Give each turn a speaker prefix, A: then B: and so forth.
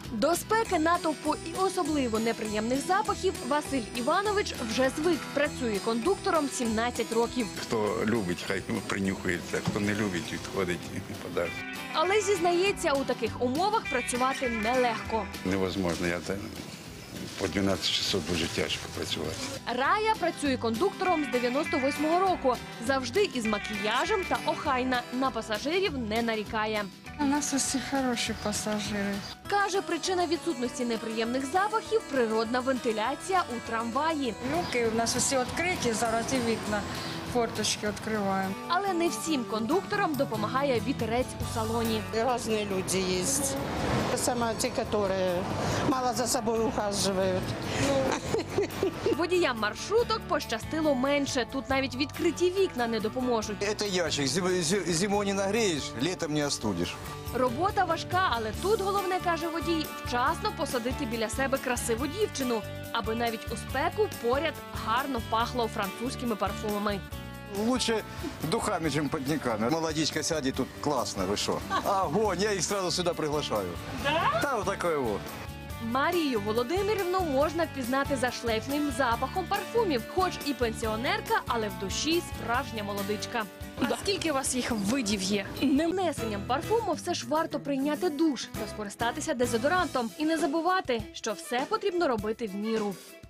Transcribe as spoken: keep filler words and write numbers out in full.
A: До спеки, натовпу і особливо неприємних запахів Василь Іванович вже звик. Працює кондуктором сімнадцять років.
B: Хто любить, хай принюхується, хто не любить, відходить подалі.
A: Але зізнається, у таких умовах працювати нелегко.
B: Невозможно, я це по дванадцять часов дуже тяжко працювати.
A: Рая працює кондуктором з дев'яносто восьмого року. Завжди із макіяжем та охайна. На пасажирів не нарікає.
C: У нас усі хороші пасажири.
A: Каже, причина відсутності неприємних запахів – природна вентиляція у трамваї.
C: Люки у нас усі відкриті, зараз і вікна, форточки відкриваємо.
A: Але не всім кондукторам допомагає вітерець у салоні.
D: Разные люди есть. Сама те, которые мало за собой ухаживают.
A: Водіям маршруток пощастило менше. Тут навіть відкриті вікна не допоможуть.
E: Это ящик. Зим- зи- Зимой не нагреешь, летом не остудишь.
A: Робота важка, але тут головне, каже водій, вчасно посадити біля себе красиву дівчину, аби навіть у спеку поряд гарно пахло французькими парфумами.
E: Лучше духами, чем подниками. Молодичка сядет тут классно, вы что? Огонь, я их сразу сюда приглашаю. Да? Да, вот такое вот.
A: Марію Володимирівну можна впізнати за шлейфним запахом парфумів. Хоч і пенсіонерка, але в душі справжня молодичка.
F: А скільки у вас їх видів є?
A: Нанесенням парфуму все ж варто прийняти душ та скористатися дезодорантом. І не забувати, що все потрібно робити в міру.